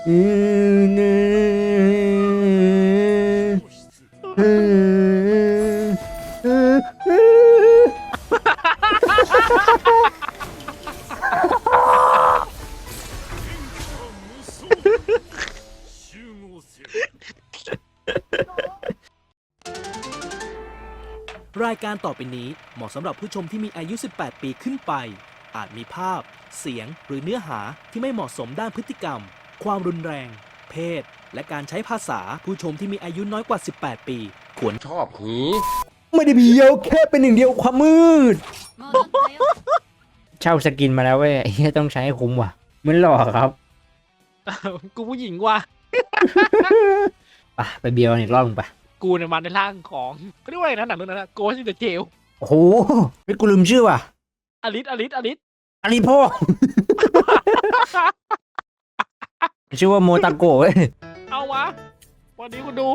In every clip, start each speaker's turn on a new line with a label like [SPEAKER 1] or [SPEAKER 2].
[SPEAKER 1] อืมเนอืมอืมอืม
[SPEAKER 2] รายการต่อไปนี้เหมาะสำหรับผู้ชมที่มีอายุ 18 ปีขึ้นไป อาจมีภาพ เสียง หรือเนื้อหาที่ไม่เหมาะสมด้านพฤติกรรม ความรุนแรง เพศ และการใช้ภาษา ผู้ชมที่มีอายุน้อยกว่า 18 ปี ควร
[SPEAKER 3] ชอบหี
[SPEAKER 1] ไม่ได้เบียวแค่เป็นหนึ่งเดียวความมืด เช่าสกินมาแล้วเว้ยไอ้เหี้ยต้องใช้ให้คุ้มว่ะเหมือนหลอกครับ
[SPEAKER 4] กูผู้หญิงว่ะ
[SPEAKER 1] ไปเบียวอีกรอบนึงไป
[SPEAKER 4] กูเนี่ยมาในร่างของเขาเรียกว่าอะไรนะหนังเรื่องนั้นนะโกสต์อินเดอะเจล
[SPEAKER 1] โอ้โหไม่กูลืมชื่อว่ะ
[SPEAKER 4] อลิสอลิสอลิส
[SPEAKER 1] อาริพ่อ ชื่อว่าโมตาโกะเว้ย
[SPEAKER 4] เอาวะวันนี้คุณดู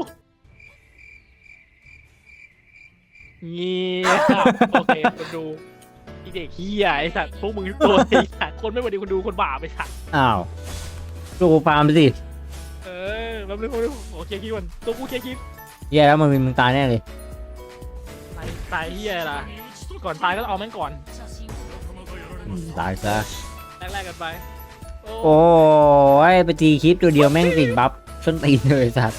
[SPEAKER 4] เงียบโอเคคุณดูไอเด็กเฮียไอสัตว์พวกมึงทุกตัวไอสัตว์คนไม่วันดีคุณดูคนบาปไอสัตว์
[SPEAKER 1] อ้าวตัวกูฟาร์มไปสิ
[SPEAKER 4] แป๊บนึงโอเคคิดวันตัวกูเคคิด
[SPEAKER 1] แย่แล้วมึงตายแน่เลย
[SPEAKER 4] ตายเฮียล่ะก่อนตายก็เอาแม่งก่อน
[SPEAKER 1] ตายซะ
[SPEAKER 4] แรกๆกันไป
[SPEAKER 1] โอ้ยไปตีคลิปตัวเดียวแม่งติดบัฟส้นตีนเลยสัตว์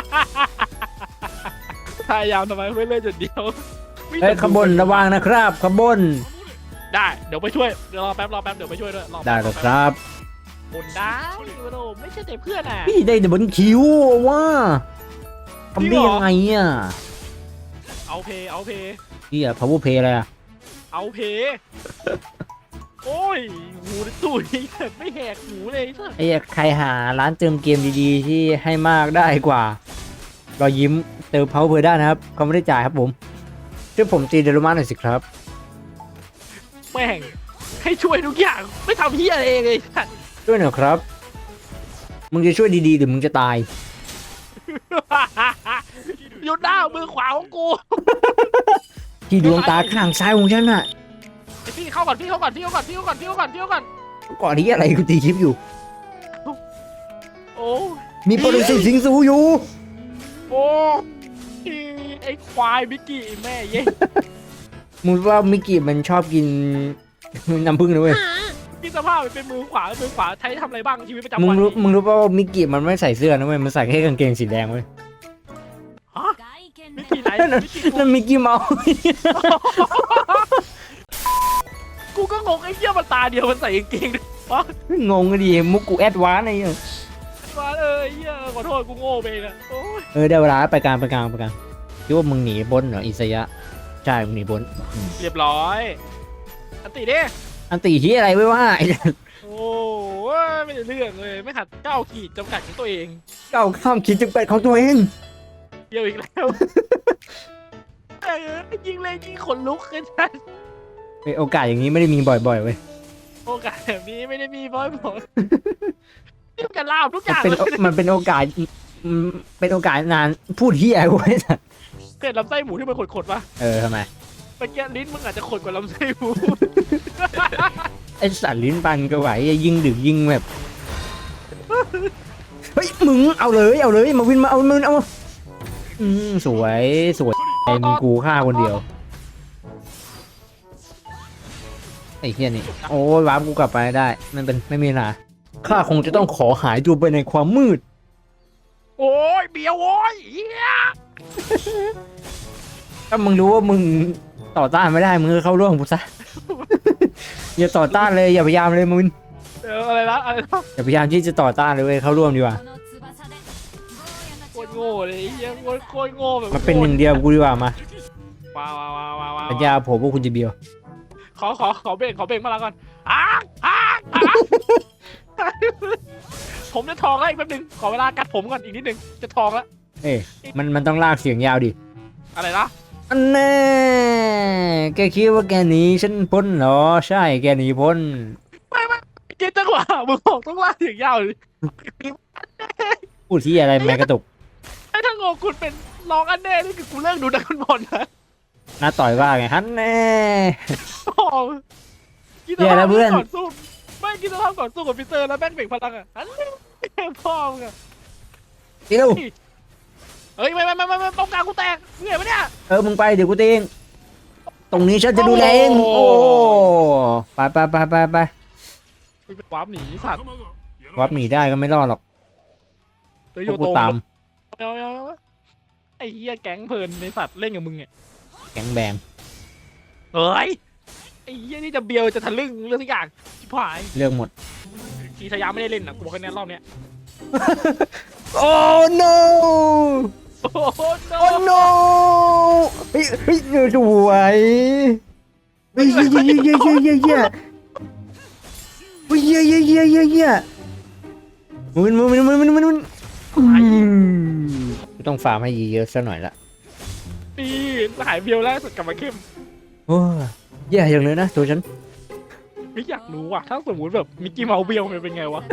[SPEAKER 4] พยายามทำไมไม่เล่นจุดเดียวไม่
[SPEAKER 1] เฮ้ยขางบวนระวังนะครับขางบวน
[SPEAKER 4] ได้เดี๋ยวไปช่วยเดี๋ยวรอแป๊บเดี๋ยวไปช่วยด้วยรอแป๊
[SPEAKER 1] ได้เลยครับ
[SPEAKER 4] บนได้โอ้ไม่ใช่แต่เพื่อนอ่ะ
[SPEAKER 1] พี่ได้แต่บนคิวว่าทำได้ยังไงอ่ะ
[SPEAKER 4] เอาเพ
[SPEAKER 1] พี่อะ power play อะไรอะ
[SPEAKER 4] เอาเพโอ้ยหูตุ๋ยไม่แหกหูเลยสัส
[SPEAKER 1] ไอ้ใครหาร้านเติมเกมดีๆที่ให้มากได้กว่ารอยยิ้มเติม power play ได้นะครับเขาไม่ได้จ่ายครับผมช่วยผมตีเดลมาหน่อยสิครับ
[SPEAKER 4] แม่งให้ช่วยทุกอย่างไม่ทำเฮียอะไรเองเลยสัส
[SPEAKER 1] ช่วยหน่อยครับ มึงจะช่วยดีๆหรือมึงจะตาย
[SPEAKER 4] หยุดหน้ามือขวาของกู
[SPEAKER 1] ที่ดวงตาข้างซ้ายของฉันน่ะ
[SPEAKER 4] ไอพี่เข้าก่อนก่อนก่อน
[SPEAKER 1] ก่อนที่อะไรกูตีคลิปอยู่
[SPEAKER 4] โอ้
[SPEAKER 1] มีโปรดิวเซอร์สิงสูอยู่
[SPEAKER 4] โอ้ไอควายบิกกี้แม่เย้
[SPEAKER 1] มึงว่ามิกกี้มันชอบกิน น้ำผึ้งนะเว้ย
[SPEAKER 4] พี่สภาพเป็นมือขวาใช้ทำอะไรบ้างชีวิตประจำ
[SPEAKER 1] มึง
[SPEAKER 4] วัน
[SPEAKER 1] รู้ป่าวว่ามิกกี้มันไม่ใส่เสื้อนะเว้ยมันใส่แค่กางเกงสีแดงเว้ย
[SPEAKER 4] ฮะบิกกี้ไหน
[SPEAKER 1] นั่นมิกกี้เมาส์
[SPEAKER 4] กูก็งงไอ้เหี้ยมันตาเดียวมันใส่กางเกงวะ
[SPEAKER 1] งงกันดิมุกกูแอดวานซ์อะไรเนี่ย
[SPEAKER 4] มาเหี้ยขอโทษกูโง่ไปนะโอ้ย
[SPEAKER 1] ได้เวลาไปกลางคิดว่ามึงหนีบนเหรออิสยะใช่มึงหนีบน
[SPEAKER 4] เรียบร้อยอันติดิ
[SPEAKER 1] อันตีที่อะไรไว้ว่า
[SPEAKER 4] โอ้ยไม่ได้เรื่องเลยไม่หัดก้าวขีดจำกัดของตัวเอง
[SPEAKER 1] เก้าข้ามขีดจำกัดของตัวเอง
[SPEAKER 4] เดียวอีกแล้วยิงเลยยิงขนลุกกันชัน
[SPEAKER 1] โอกาสอย่างนี้ไม่ได้มีบ่อยๆเว้ย
[SPEAKER 4] โอกาสแบบนี้ไม่ได้มีบ่อยๆนี่มันกันลาบทุกอย่าง
[SPEAKER 1] มันเป็นโอกาสเป็นโอกาสนานพูดเฮียกูไอ้สัส
[SPEAKER 4] เกิดลำไส้หมูที่มันขดๆปะ
[SPEAKER 1] ทำไม
[SPEAKER 4] เมื่อกี้ลิ้นมึงอาจจะขดกว่าลำไส้หมู
[SPEAKER 1] ไอ้สัตว์ลิ้นปันก็ไหวยิงดึกยิงแบบเฮ้ยมึงเอาเลยมาวินมาเอามึงเอาสวยไอ้มึงกูฆ่าคนเดียวไอ้เฮียนี่โอ้ยวาร์ปกูกลับไปได้ไม่มีปัญหาข้าคงจะต้องขอหายตัวไปในความมืด
[SPEAKER 4] โอ้ยเบียวโอ้ยเฮีย
[SPEAKER 1] ถ้ามึงรู้ว่ามึงต่อต้านไม่ได้มึงก็เข้าร่วมกูซะ อย่าต่อต้านเลยอย่าพยายามเลยมึง
[SPEAKER 4] อะไรนะ
[SPEAKER 1] อย่าพยายามที่จะต่อต้านเลยเว้ยเข้าร่วมดีกว่า
[SPEAKER 4] โคตรโง่เลยเฮียโคตรโง่แบบ
[SPEAKER 1] มาเป็นหนึ่งเดียวกูดีกว่ามา
[SPEAKER 4] ว้าว
[SPEAKER 1] สัญญาผมว่าคุณจะเบียว
[SPEAKER 4] ขอเบรกมาแล้วก่อนผมจะทองแล้วอีกแป๊บนึงขอเวลากัดผมก่อนอีกนิดนึงจะทองแล้ว
[SPEAKER 1] เอ้ยมันต้องลากเสียงยาวดิ
[SPEAKER 4] อะไรนะ
[SPEAKER 1] อันแน่แกคิดว่าแกหนีฉันพ้นเหรอใช่แกหนีพ้น
[SPEAKER 4] ไม่เจ๊จังหวะมึงบอกต้องลากเสียงยาวเลย
[SPEAKER 1] พูดที่อะไรแม่กระตุก
[SPEAKER 4] ไอ้ถ้างงคุณเป็นร้องอันแน่นี่คือกูเลิกดูดักบอลนะ
[SPEAKER 1] น้าต่อยว่าไงฮันแน่
[SPEAKER 4] กินสภาพก่อนสู้ไม่กินสภาพก่อนสู้กับพีเตอร์แล้วแม่งเบ่งพลังอ่ะอันนี้พ่อมึงอะ
[SPEAKER 1] ตีเร็ว
[SPEAKER 4] เฮ้ยไม่ป้องกันกูแตกเหนื่อยปะเนี่ย
[SPEAKER 1] มึงไปเดี๋ยวกูตีเองตรงนี้ฉันจะดูแลเองโอ้ไปไปไปไปไป
[SPEAKER 4] มึงเป็นวาร์ปหนีสัตว์
[SPEAKER 1] วับหนีได้ก็ไม่รอดหรอก
[SPEAKER 4] เฮ้ย
[SPEAKER 1] พ
[SPEAKER 4] โยว
[SPEAKER 1] กกู
[SPEAKER 4] โต
[SPEAKER 1] ตาม
[SPEAKER 4] เอาไอ้เหี้ยแก๊งเพลินในสัตว์เล่นกับมึงเนี่ย
[SPEAKER 1] แข็งแบง
[SPEAKER 4] เฮ้ยไอ้เหี้ยนี่จะเบียวจะทะลึ่งเรื่องทุกอย่างชิบหาย
[SPEAKER 1] เรื่องหมด
[SPEAKER 4] กีทายาไม่ได้เล่นนะกูบอกแค่นี้รอบเนี้ย
[SPEAKER 1] โอ้ no
[SPEAKER 4] โอ้โห
[SPEAKER 1] โอ้ no เฮ้ยเฮ้ยสวยเฮ้ยเฮ้ยเฮ้ยเฮ้ยเฮ้ยเฮ้ยเฮ้ยเฮ้ยเฮ้ยเฮ้ยเฮ้ยเฮ้ยมันต้องฟาร์มให้เยอะๆซะหน่อยละ
[SPEAKER 4] นี่หายเบียวแล้วสุดกลับมาเข้ม
[SPEAKER 1] โอ้แย่อย่างเลยนะตัวฉัน
[SPEAKER 4] ไม่อยากรู้ว่ะถ้าสมมติแบบมิกกี้เมาส์เบียวมันเป็นไงวะ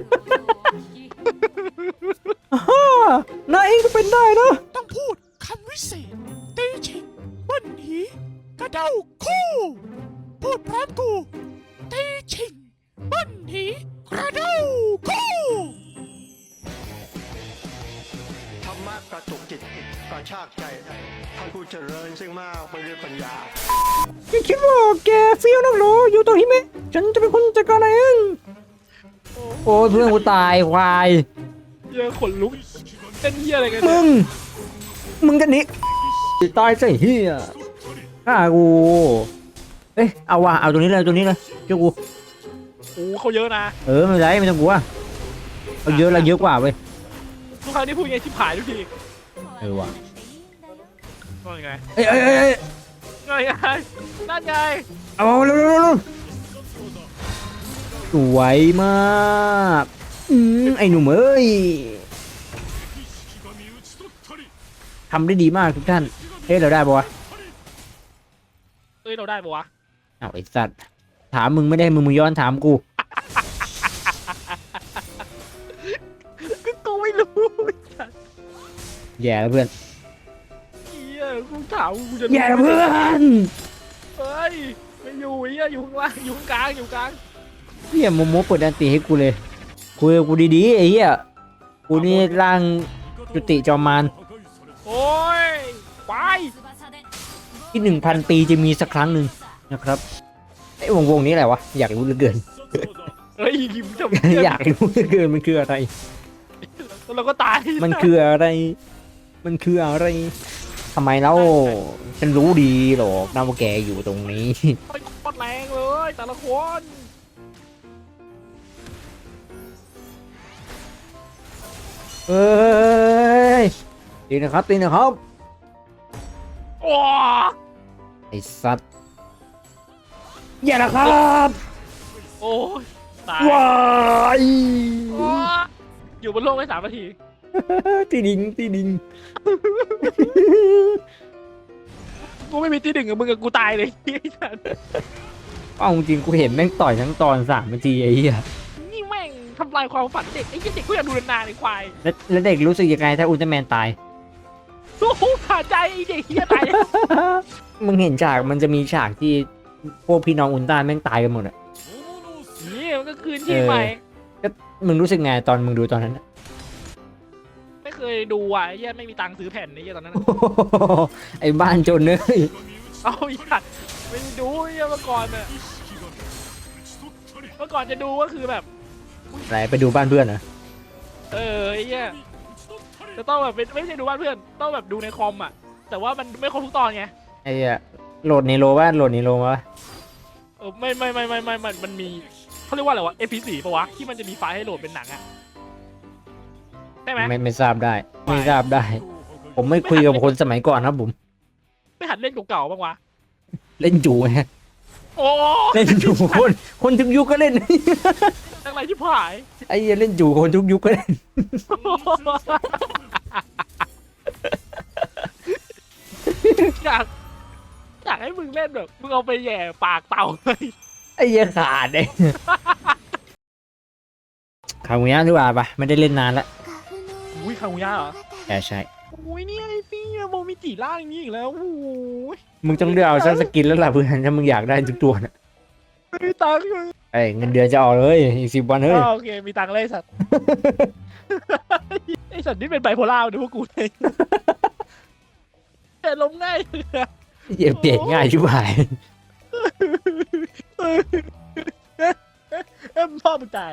[SPEAKER 1] นายเองก็เป็นได้นะ
[SPEAKER 3] ต้องพูดคำวิเศษตีฉิงวันหีกระเด้าคู่ พูดพร้อมกูตีฉิงวันหีกระเด้าคู่
[SPEAKER 5] ธรรมะกระตุกจิตกระชากใจท่านผู้เจริญซึ่งมากไปด้วยปัญญา
[SPEAKER 1] แกคิดว่าแกเฟี้ยวนักหรออยู่ตรงนี้ไหมฉันจะเป็นคนจัดการเองโอ้ยเพื่อนกูตายควาย
[SPEAKER 4] เหี้ยขนลุกเต้นเหี้ยอะไรกัน
[SPEAKER 1] มึ
[SPEAKER 4] เนี่ย
[SPEAKER 1] มึงกันนี้ตายซะเฮียฆ่ากูเอ้ยเอาว่ะเอาตัวนี้เลยตัวนี้เลยเจ้ากู
[SPEAKER 4] โอ้เขาเยอะนะ
[SPEAKER 1] ไม่เป็นไรไม่ต้องกลัวเอาเยอะเราเยอะกว่าเว้ย
[SPEAKER 4] ทุกครั้งที่พูดไงชิบหายทุกที
[SPEAKER 1] ว่ะ
[SPEAKER 4] ว่าไง
[SPEAKER 1] เอ้ย
[SPEAKER 4] นั่นไงนั่นไง
[SPEAKER 1] เอาเร็วสวยมากไอ้หนุ่มเอ้ยทำได้ดีมากทุกท่านเฮ้ยเราได้ปะวะ
[SPEAKER 4] เอ้ยเราได้ปะวะ
[SPEAKER 1] เอาไอ้สัตว์ถามมึงไม่ได้มึงย้อนถามกู
[SPEAKER 4] ก็กูไม่รู้
[SPEAKER 1] แย่แล้วเพื่อน
[SPEAKER 4] เหี้ยกูถามกูจะ
[SPEAKER 1] แย่แล้วเพื่อน
[SPEAKER 4] เฮ้ยไม่อยู่เหี้ยอยู่ข้างล่างอยู่ข้างกลางอยู่กลาง
[SPEAKER 1] เฮียโมโมเปิดดันตีให้กูเลยคุยกับกูดีๆไอ้เหี้ยกูนี่ร่างจุติจอมมาร
[SPEAKER 4] โอ้ยไป
[SPEAKER 1] ที่ 1,000 ปีจะมีสักครั้งหนึ่งนะครับไอ้วงนี้อะไรวะอยากรู้เหลือเกิน
[SPEAKER 4] เฮ้ยยิ้มจะ
[SPEAKER 1] อยากรู้เหลือเกินมันคืออะไร
[SPEAKER 4] แล้วเราก็ตาย
[SPEAKER 1] มันคืออะไร มันคืออะไรทำไมเล่าฉันรู้ดีหรอกนะว่าแกอยู่ตรงนี้
[SPEAKER 4] โอ้ยโคตรแรงเลยแต่ละคน
[SPEAKER 1] เอ้ยตีนะครับตีนะครับ
[SPEAKER 4] โอ้
[SPEAKER 1] ไอ้สัตว์อย่านะครับ
[SPEAKER 4] โอ้ยตาย
[SPEAKER 1] ว้าย
[SPEAKER 4] โอ้ยอยู่บนโลกได้3 นาที
[SPEAKER 1] ตีดิง
[SPEAKER 4] กูไม่มีที่ 1กับมึงกับกูตายเลยไอ้สัส
[SPEAKER 1] เอาจริงกูเห็นแม่งต่อยทั้งตอน3 นาทีไอ้เหี้ย
[SPEAKER 4] นี่แม่งทำลายความฝันเด็กไอ้เหี้ยเด็กกูอยากดูนานๆไอ้ควาย
[SPEAKER 1] แล้วเด็กรู้สึกยังไงถ้าอุลตร้าแมนตาย
[SPEAKER 4] โอ้โหขาดใจไอ้เด็กเหี้ยตาย
[SPEAKER 1] มึงเห็นฉากมันจะมีฉากที่พวกพี่น้องอุลตร้าแม่งตายกันหมดอะ
[SPEAKER 4] นี่มันก็คืนที่ใหม่
[SPEAKER 1] มึงรู้สึกไงตอนมึงดูตอนนั้นอะ
[SPEAKER 4] ไม่เคยดูอ่ะไอ้เหี้ยไม่มีตังค์ซื้อแผ่นไอ้เหี้ยตอนนั้นอะ
[SPEAKER 1] ไอ้บ้านจนเนย
[SPEAKER 4] เอาอีสัตว์ไม่ได้ดูไอ้เหี้ยเมื่อก่อนอะเมื่อก่อนจะดูก็คือแบบ
[SPEAKER 1] ไหนไปดูบ้านเพื่อนเหรอ
[SPEAKER 4] ไอ้เหี้ยจะต้องแบบไม่ใช่ดูบ้านเพื่อนต้องแบบดูในคอมอ่ะแต่ว่ามันไม่ครบทุกตอนไง
[SPEAKER 1] ไอ้เหี้ยโหลดในโลบ้านโหลดในโลมาปะ
[SPEAKER 4] ไม่มันมีเขาเรียกว่าอะไรวะ MP4 ปะวะที่มันจะมีไฟล์ให้โหลดเป็นหนังอ่ะได้ไหม
[SPEAKER 1] ไม่ทราบได้ไม่ทราบได้ ผมไม่คุยกับคนสมัยก่อนครับผม
[SPEAKER 4] ไม่หัดเล่นเก่าๆบ้างวะ
[SPEAKER 1] เล่นจูไง
[SPEAKER 4] โอ้
[SPEAKER 1] เล่นจูคนทุกยุคก็เล่น
[SPEAKER 4] จังไรที่ผาย
[SPEAKER 1] ไอ้เหี้ยเล่นจูคนทุกยุคก็เล่น
[SPEAKER 4] อยากให้มึงเล่นแบบมึงเอาไปแหย่ปากเต่าเลย
[SPEAKER 1] ไอ้เหี้ยขาดเลยคามุยะดีกว่าปะไม่ได้เล่นนานละ
[SPEAKER 4] อุ้ยคางูย่าเหรอ
[SPEAKER 1] ใช่
[SPEAKER 4] อุ้ยนี่ไอ้พี่โมมิจิร่างนี้อีกแล้วโอ้ย
[SPEAKER 1] มึงต้องเลือกเอาซักสกินแล้วล่ะเพื่อนถ้ามึงอยากได้ทุกตัวนะ
[SPEAKER 4] ไม่มีตังค์
[SPEAKER 1] ไอ้เงินเดือนจะออกเลยอีก10 วันเฮ้ย
[SPEAKER 4] โอเคมีตังค์เลยไอ้สัตว์ ไอสัตว์นี่เป็นไบโพล่าดูพวกกูเลยแต่ล้มง่าย
[SPEAKER 1] เหี้ยเปลี่ยนง่ายชิบหาย
[SPEAKER 4] พ่อมึงตาย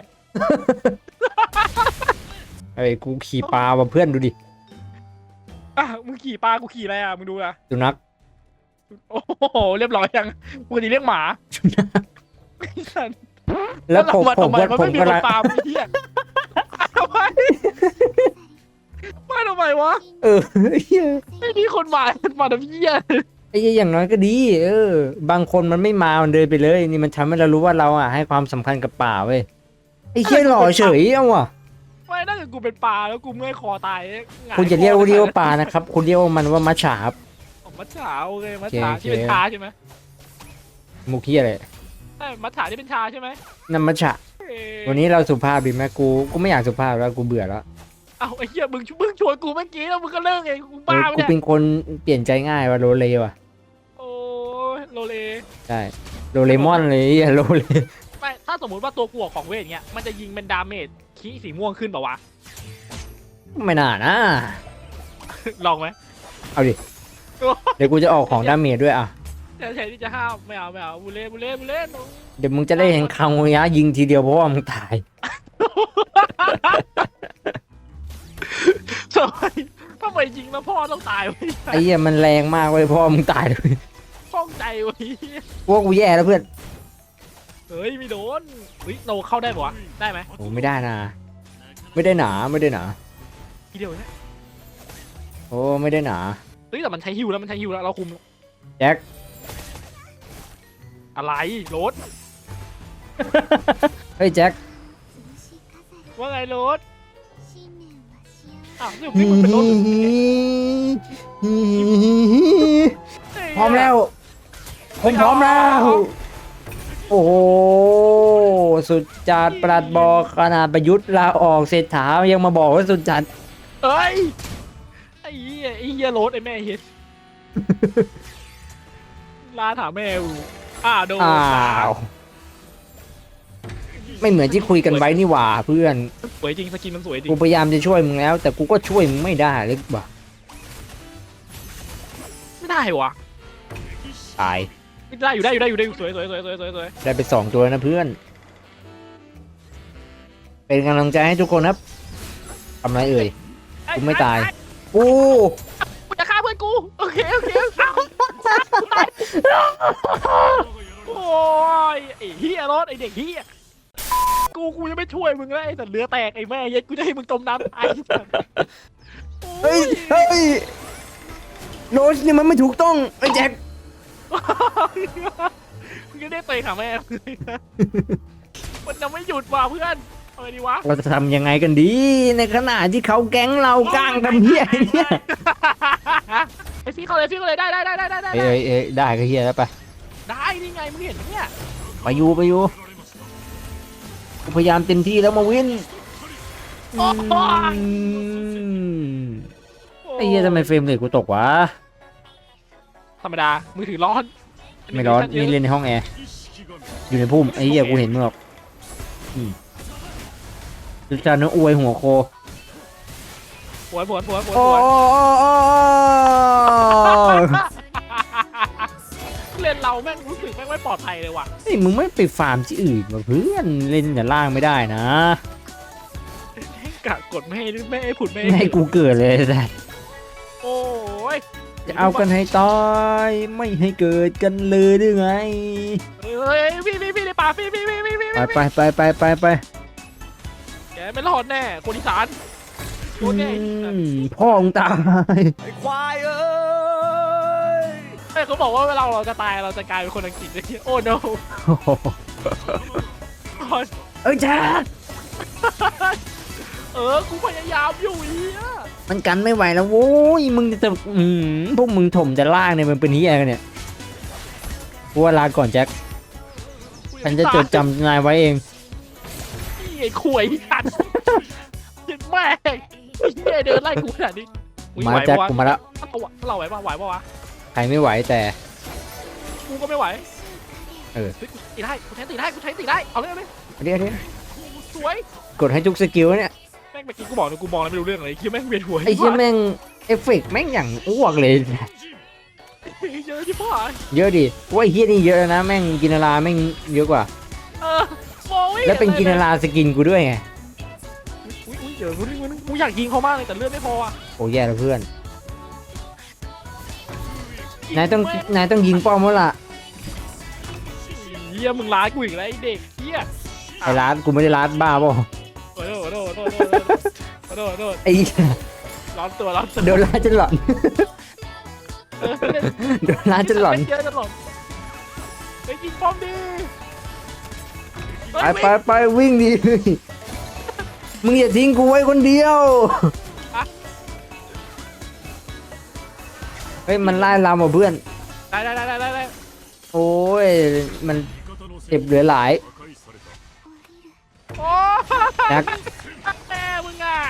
[SPEAKER 1] ไอ้กูขี่ปลาว่ะเพื่อนดูดิ
[SPEAKER 4] อ่ะมึงขี่ปลากูขี่อะไรอ่ะมึงดูอ่ะ
[SPEAKER 1] สุนัข
[SPEAKER 4] โอ้โหเรียบร้อยยังปกติเรียกหมาไอ้สัตว์
[SPEAKER 1] แล้วผม
[SPEAKER 4] ทำไมมัน
[SPEAKER 1] ผ
[SPEAKER 4] ไม่
[SPEAKER 1] ม
[SPEAKER 4] มี
[SPEAKER 1] ก็
[SPEAKER 4] คน
[SPEAKER 1] ละ
[SPEAKER 4] ตามไอ้เหี้ยทำไมมาทำไมวะ
[SPEAKER 1] เออเหี้ย
[SPEAKER 4] ไม่มีคนมาทำเหี้ย
[SPEAKER 1] ไอ้เหี้ยอย่างน้อยก็ดี บางคนมันไม่มามันเดินไปเลยนี่มันทำให้เรารู้ว่าเราอ่ะให้ความสำคัญกับป่าเว้ยไอ้เหี้ยหล่อเฉยเอาว่ะ
[SPEAKER 4] ไม่ถ้าเกิดกูเป็นปลาแล้วกูเมื่อยคอตายหงาย
[SPEAKER 1] คุณจะเรียก
[SPEAKER 4] คอ
[SPEAKER 1] ว่าปลานะครับ คุณเรียกว่ามันว่ามัจฉาครับ
[SPEAKER 4] ของมัจฉาโอเคมัจฉา
[SPEAKER 1] โอเค
[SPEAKER 4] ที่เป็นชาใช่ไหม
[SPEAKER 1] มุกเหี้ยอะไร
[SPEAKER 4] ใช่มัจฉาที่เป็นชาใช่ไหม
[SPEAKER 1] นั่นมัจฉะ
[SPEAKER 4] เอ้ย
[SPEAKER 1] วันนี้เราสุภาพดีไหมกูไม่อยากสุภาพแล้วกูเบื่อแล้ว
[SPEAKER 4] เอ้าไอ้เหี้ยมึงชวนกูเมื่อกี้แล้วมึงก็เลิกเองกู
[SPEAKER 1] เอ
[SPEAKER 4] บ้า
[SPEAKER 1] อ
[SPEAKER 4] ไป
[SPEAKER 1] กู
[SPEAKER 4] เนี่ย
[SPEAKER 1] เป็นคนเปลี่ยนใจง่ายว่ะโรเลว่ะ
[SPEAKER 4] โอ้ยโลเล
[SPEAKER 1] ใช่โรเลมอนเลยไอ้โรเล
[SPEAKER 4] ไม่ถ้าสมมติว่าตัวกูออกของเวทเงี้ยมันจะยิงเป็นดาเมจคีสีม่วงขึ้นเปล่าวะ
[SPEAKER 1] ไม่น่านะ
[SPEAKER 4] ลองไหม
[SPEAKER 1] เอาดิเดี๋ยวกูจะออกของดาเมจด้วยอ่ะ
[SPEAKER 4] แต่แทนที่จะห้ามไม่เอาบุเล่
[SPEAKER 1] เดี๋ยวมึงจะได้เห็นคังวยะยิงทีเดียวเพราะว่ามึงตาย
[SPEAKER 4] ทำไมยิงแล้วพ่อต้องตายวะ
[SPEAKER 1] ไอ้เหี้ยมันแรงมากเว้ยเพราะว่ามึงตายเลย
[SPEAKER 4] ข้องใจวะ
[SPEAKER 1] พวกกูแย่แล้วเพื่อน
[SPEAKER 4] เฮ้ยไม่โดนเฮ้ยเราเข้าได้ปะวะได้ไหม
[SPEAKER 1] โอ้ไม่ได้นะไม่ได้หนาไม่ได้หนา
[SPEAKER 4] ทีเดียวเนี่ย
[SPEAKER 1] โอ้ไม่ได้หนา
[SPEAKER 4] เฮ้ยแต่มันใช้ฮิวแล้วเราคุม
[SPEAKER 1] แจ็ค
[SPEAKER 4] อะไรรถ
[SPEAKER 1] เฮ้ยแจ็ค
[SPEAKER 4] ว่าไงรถอ้าวนี่มึงเป็นรถ
[SPEAKER 1] พร้อมแล้วผมพร้อมแล้ว โอ้โหสุดจัดปลัดบอกขนาดประยุทธ์ลาออกเศรษฐายังมาบอกว่าสุดจัด
[SPEAKER 4] เฮ้ยไอ้เหี้ยรถไอ้แม่เฮ็ดลาถามแม่กูโดน
[SPEAKER 1] อ้าวไม่เหมือนที่คุยกันไว้นี่หว่าเพื่อน
[SPEAKER 4] สวยจริงสกินมันสวยจริง
[SPEAKER 1] กูพยายามจะช่วยมึงแล้ว แต่กูก็ช่วยมึงไม่ได้เลยว่ะ
[SPEAKER 4] ไม่ได้วะ
[SPEAKER 1] ตาย
[SPEAKER 4] ได้อยู่สวย
[SPEAKER 1] ได้ไป2 ตัวนะเพื่อน เป็นกำลังใจให้ทุกคนครับทำไรเอ่ย กูไม่ตายกู
[SPEAKER 4] กูจะฆ่าเพื่อนกูโอเคโอ้ยไอ้เฮียรถไอ้เด็กเฮียกูยังไม่ช่วยมึงเลยไอ้สัตว์เรือแตกไอ้แม่เย็ดกูจะให้มึงจมน้ำตาย
[SPEAKER 1] เฮ้ยเฮ้ยโรสนี่มันไม่ถูกต้องไอ้แจ็ค
[SPEAKER 4] มึงจะได้เตะขาแม่มันจะไม่หยุดว่ะเพื่อนเอาไงดีวะ
[SPEAKER 1] เราจะทำยังไงกันดีในขณะที่เขาแก๊งเราก้างทำเหี้ยเนี่ย
[SPEAKER 4] ไอ้ฟี่เขาเลยได้
[SPEAKER 1] เอ้ยได้ก็เหี้ยแล้วไป
[SPEAKER 4] ได้นี่ไงมึงเห็นเนี่ย
[SPEAKER 1] ไปอยู่กูพยายามเต็มที่แล้วมาวิน
[SPEAKER 4] โอ้ย
[SPEAKER 1] ไอ้เหี้ยทำไมเฟรมเรทกูตกวะ
[SPEAKER 4] ธรรมดามือถือร้อน
[SPEAKER 1] ไม่ร้อนนี่เล่นในห้องแอร์อยู่ในพุ่มไอ้เหี้ยกูเห็นมึงหรอกจุดจานนื้ออวยหัวโค
[SPEAKER 4] ปวด
[SPEAKER 1] โอ้ย
[SPEAKER 4] เล่นเราแม่งรู้สึกแม่งไม่ปลอดภัยเลยว่ะ
[SPEAKER 1] ไอ้มึงไม่ไปฟาร์มที่อื่นวะเพื่อนเล่นแต่ล่างไม่ได้นะ
[SPEAKER 4] ให้กะกดไม่ให้ผุดไม่
[SPEAKER 1] ไม่ให้กูเกิดเลยแต่
[SPEAKER 4] โอ้ย
[SPEAKER 1] จะเอากันให้ตายไม่ให้เกิดกันเลยหรือไง
[SPEAKER 4] เฮ้ยพี่ในป่าพี่
[SPEAKER 1] ไป
[SPEAKER 4] แกไม่รอดแน่คนอีสานโดนแน่
[SPEAKER 1] พ่อมึงตาย
[SPEAKER 4] เขาบอกว่าเวลาเราจะตายเราจะกลายเป็นคนอังกฤษเลยโอ้ no
[SPEAKER 1] เอ้ยจ้า
[SPEAKER 4] กูพยายามอยู่เฮีย
[SPEAKER 1] มันกันไม่ไหวแล้วโว้ยมึงจะพวกมึงถมจะล่างเนี่ยมันเป็นนี้อะไรกันเนี่ยกูว่าลาก่อนแจ็คฉันจะจดจำนายไว้เอง
[SPEAKER 4] ไอ้ข่วยทันเห็นแม่งไอ้เฮียเดินไล่กูขนาดนี้
[SPEAKER 1] มาแจ็คกูมาแล้ว
[SPEAKER 4] เราไหวปะวะ
[SPEAKER 1] ใครไม่ไหวแต่
[SPEAKER 4] กูก็ไม่ไหว
[SPEAKER 1] เออ
[SPEAKER 4] เฮ้ยกูตีได้กูใช้ตีได้กูใช้ตีได้เอาเลยเอาเลย
[SPEAKER 1] เดี๋ยว
[SPEAKER 4] สวย
[SPEAKER 1] กดให้ทุกสกิลเนี่ย
[SPEAKER 4] แม่งเมื่อกี้กูบอกเลยกูมองแล้วไม่รู้เรื่องเลยคิดแม่งเวียนหัว
[SPEAKER 1] ไอ้เชี่ยแม่งเอฟเฟกต์แม่งอย่างอ้วกเลย
[SPEAKER 4] เยอะที่พ่อ
[SPEAKER 1] เยอะดิว่าไอ้เฮียนี่เยอะแล้วนะแม่งกินราแม่งเยอะกว่า
[SPEAKER 4] มองไม่ห็
[SPEAKER 1] แล้วเป็นกินราสกินกูด้วยไง
[SPEAKER 4] อุ้ยเดี๋ยวกูอยากยิงเขามากเลยแต่เลือดไม่พออ่ะ
[SPEAKER 1] โอ้แย่แล้วเพื่อนนายต้องยิงป้อมแล้วล่ะ
[SPEAKER 4] เฮียมึงร้ายกูอีกแล้วไอ้เด็กเฮีย
[SPEAKER 1] ไอ้ร้านกูไม่ได้ร้านบ้าเปล่า
[SPEAKER 4] โอ้โทษ
[SPEAKER 1] ไอ้เหี้ย
[SPEAKER 4] ร้อนตัว
[SPEAKER 1] โดนร้านจนหลอน โดนร้านจนหลอน
[SPEAKER 4] เยอะจนหลอนไปยิงป้อมดิ
[SPEAKER 1] ไปวิ่งดิมึงอย่าทิ้งกูไว้คนเดียวเฮ้ยมันไล่ลามว่ะเพื่อน
[SPEAKER 4] ได้
[SPEAKER 1] โอ้ยมันเจ็บเหลือหลาย
[SPEAKER 4] โอ้
[SPEAKER 1] แจ็ค
[SPEAKER 4] แม่มึงอ่ะ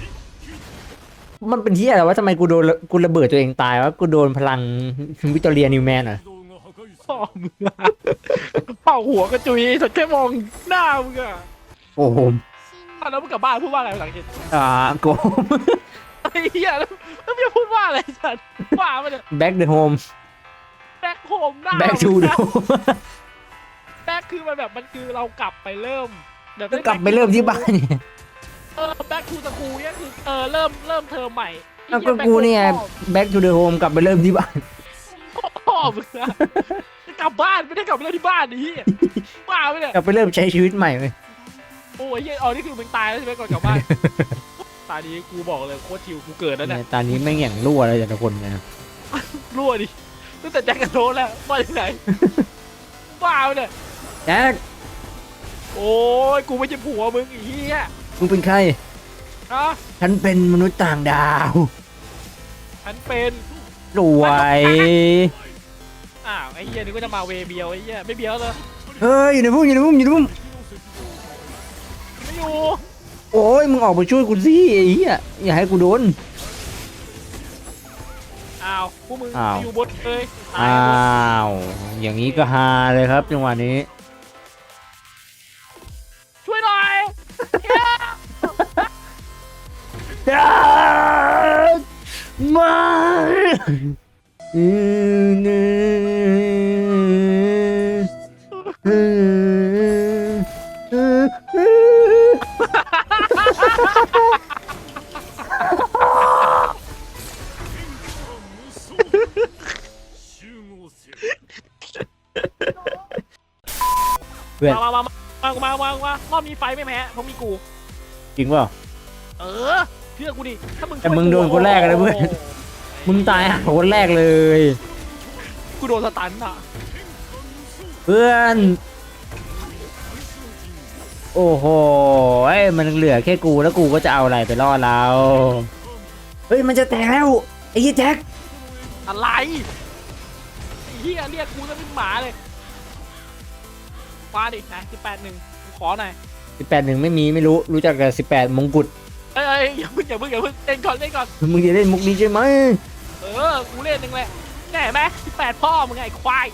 [SPEAKER 1] มันเป็นที่อะไรวะทำไมกูระเบิดตัวเองตายวะกูโดนพลังวิกตอเรียนิวแมนเหรอ
[SPEAKER 4] พ่อมึงอ่ะเป่าหัวกระจุยสักแค่มองหน้ามึงอ่ะ
[SPEAKER 1] โอ้โห
[SPEAKER 4] แล้วมึงกลับบ้านพูดว่าอะไรภาษาอังกฤษ
[SPEAKER 1] โก
[SPEAKER 4] ไอ้เหี้ยแล้วมึงจะพูดว่าอะไรสัตว์ว่ามันเนี่ย
[SPEAKER 1] back the home
[SPEAKER 4] แบ็คโฮมหน้า
[SPEAKER 1] back to the home
[SPEAKER 4] แบ็คคือมันแบบมันคือเรากลับไปเริ่มแบบ
[SPEAKER 1] กลับไปเริ่มที่บ้านเนี่ย
[SPEAKER 4] แบ็คทูสกูเนี่ยคือเริ่มเทอมใหม่
[SPEAKER 1] แล้วก็กูเนี่ย back to the home กลับไปเริ่มที่บ้าน
[SPEAKER 4] พ่อมึงอะกลับบ้านไม่ได้กลับไปเริ่มที่บ้านนี่บ้าไปเนี่ย
[SPEAKER 1] กลับไปเริ่มใช้ชีวิตใหม่เลย
[SPEAKER 4] โอ้ยนี่คือมึงตายแล้วใช่ไหมก่อนกลับบ้านตอนนี้กูบอกเลยโคตรชิวกูเกิดแล้วเนี่ย
[SPEAKER 1] ตอนนี้แม่งอย่างรั่วเลยแต่ละคนเนี่ยนะ
[SPEAKER 4] รั่วดิตั้งแต่แจ็คกันโดนแล้วมาที่ไหนบ้าไปเนี่ย
[SPEAKER 1] แจ็ค
[SPEAKER 4] โอ้ยกูไม่ใช่ผัวมึงอีเหี้ย
[SPEAKER 1] มึงเป็นใคร
[SPEAKER 4] ฮะ
[SPEAKER 1] ฉันเป็นมนุษย์ต่างดาว
[SPEAKER 4] ฉันเป็น
[SPEAKER 1] รวย
[SPEAKER 4] อ้าวไอ้เหี้ยนึกว่าจะมาเวเบียวไอ้เหี้ยไม่เบียวเลย
[SPEAKER 1] เฮ้ยอยู่ในพุ่มอยู่ในพุ่มอยู่ในพุ่ม
[SPEAKER 4] ไม่อยู่
[SPEAKER 1] โอ้ยมึงออกไปช่วยกูสิไอ้เหี้ยอย่าให้กูโดน
[SPEAKER 4] อ้าวพวกมึง
[SPEAKER 1] อ้าว
[SPEAKER 4] อยู่บนเลยตาย
[SPEAKER 1] อ้า
[SPEAKER 4] หมด
[SPEAKER 1] วอย่างนี้ก็ฮาเลยครับจังหวะนี้
[SPEAKER 4] ช่วยหน่อย
[SPEAKER 1] เพื่อน
[SPEAKER 4] รอบนี้ไฟไม่แพ้เพราะมีกู
[SPEAKER 1] จริงเปล่า
[SPEAKER 4] เออเชื่อกูดิถ้ามึง
[SPEAKER 1] แต่มึงโดนคนแรกเลยเพื่อน มึงตายหาคนแรกเลย
[SPEAKER 4] กูโดนสตันอ่ะ
[SPEAKER 1] เพื่อน โอ้โหไอ้ยมันเหลือแค่กูแล้วกูก็จะเอาอะไรไปล่อเรา เฮ้ยมันจะแตกแล้วไอ้ยี่แจ็ค
[SPEAKER 4] อะไรไอ้เฮียเรียกกูจะเป็นหมาเลยมาดินะ18-1ขอหน่อย
[SPEAKER 1] 18-1ไม่รู้จักกับ18มงกุฎ
[SPEAKER 4] เอ้ยอย่าเพิ่งเล่นก่อน
[SPEAKER 1] มึงจะเล่นมุกนี้ใช่ไหม
[SPEAKER 4] กูเล่นหนึ่งเลยแน่ไหม18พ่อมึงไงควาย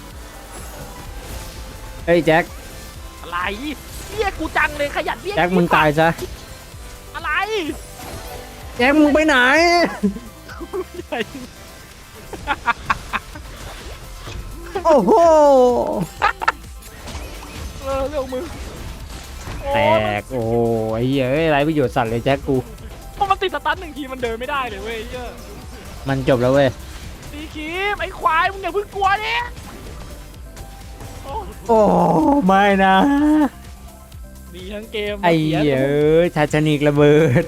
[SPEAKER 1] เฮ้ยแจ็ค
[SPEAKER 4] อะไรเรียกกูจังเลยขยันเรียก
[SPEAKER 1] แจ็คมึงตายซะ
[SPEAKER 4] อะไร
[SPEAKER 1] แจ็คมึงไปไหน โอ้โห
[SPEAKER 4] เรื่องมึง
[SPEAKER 1] แตกโอ้โหไอ้เหี้ยเอ้ยไรประโยชน์สัตว์เลยแจ็คกู
[SPEAKER 4] เพราะมันติดสตันหนึ่งทีมันเดินไม่ได้เลยเว้ยเหี้ย
[SPEAKER 1] มันจบแล้วเว้ย
[SPEAKER 4] ตีคีมไอ้ควายมึงอย่าเพิ่งกลัวดิโอ้
[SPEAKER 1] โอ้ไม่นะ
[SPEAKER 4] ดีทั้งเกม
[SPEAKER 1] ไอ้เหี้ยเอ้ยทาชนิกระเบิด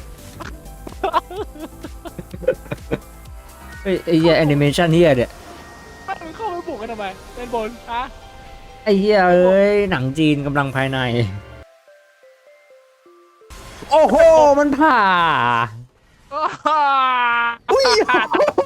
[SPEAKER 1] เฮ้ยไอ้เหี้ยแอนิเมชันเหี้ยเนี่ย
[SPEAKER 4] ไม่มึงเข้าไปบุกกันทำไมเล่นบนฮะ
[SPEAKER 1] ไอ้เหี้ยเอ้ยหนังจีนกำลังภายใน โอ้โหมันผ่า
[SPEAKER 4] อ้า
[SPEAKER 1] อุ้ย